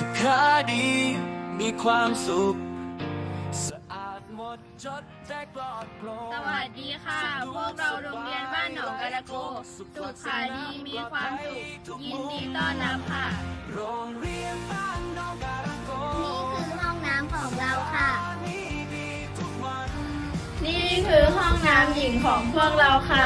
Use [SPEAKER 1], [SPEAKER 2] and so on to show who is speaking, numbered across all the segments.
[SPEAKER 1] สุขาดีมีความสุขสะอาดหมดจดได้ปลอดโปร่ง
[SPEAKER 2] สวัสดีค่ะ พวกเราโรงเรียนบ้านหนองกะละโกสุขาดีมีความสุขยินดีต้อนรับค่ะ
[SPEAKER 1] โรงเรียนบ้านหนองกะละโก
[SPEAKER 3] นี่คือห้องน้ำของเราค่ะ
[SPEAKER 1] นี่ดีทุกวัน
[SPEAKER 2] นี่คือห้องน้ำหญิงของพวกเราค่ะ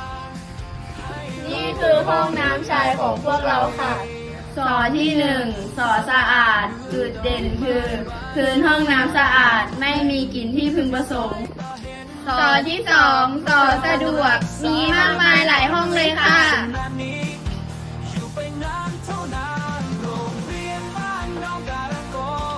[SPEAKER 2] นี่คือห้องน้ำชายของพวกเราค่ะสอที่หนึ่งสอสะอาด จุดเด่นคือพื้นห้องน้ำสะอาดไม่มีกลิ่นที่พึงประสงค์สอที่สองสอสะดวกมีมากมายหลายห้องเลยค่ะ
[SPEAKER 1] นานนี้อยู่ไปนานเท่านานโรงเรียนบ้านหนองกะละโก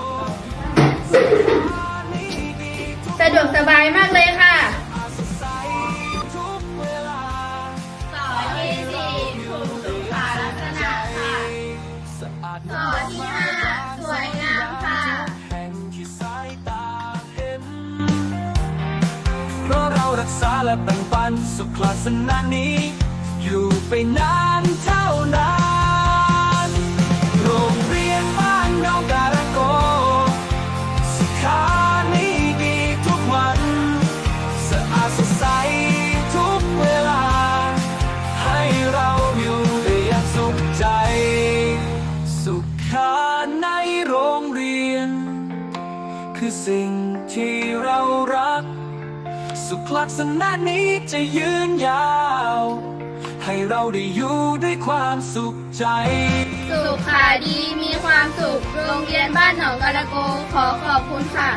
[SPEAKER 1] นี่ดีทุก
[SPEAKER 2] สะดวกสบายมากเลยค่ะ
[SPEAKER 1] สดใสทุกเวลา
[SPEAKER 2] สอที่สี่ถูกสุขลักษณะค่ะ
[SPEAKER 1] สะอาด
[SPEAKER 2] สอที่ห้าสวยงามค่ะ
[SPEAKER 1] แห่งที่สายตาเห็นเพราะเรารักษาและแบ่งปันสุขลักษณะนี้ อยู่ไปนานเท่านานโรงเรียนบ้านหนองกะละโกสุขานี้ดีทุกวันสะอาดสดใสทุกเวลา ให้เราอยู่ได้อย่างสุขใจ สุขาในโรงเรียน คือสิ่งที่เรารัก สุขลักษณะนี้จะยืนยาว ให้เราได้อยู่ด้วยความสุขใจ
[SPEAKER 2] สุขาดีมีความสุข โรงเรียนบ้านหนองกะละโกขอขอบคุณค่ะ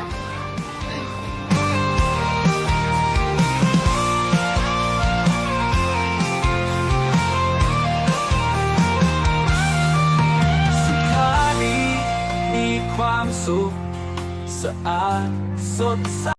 [SPEAKER 1] สุขาดีมีความสุข สะอาดสดใส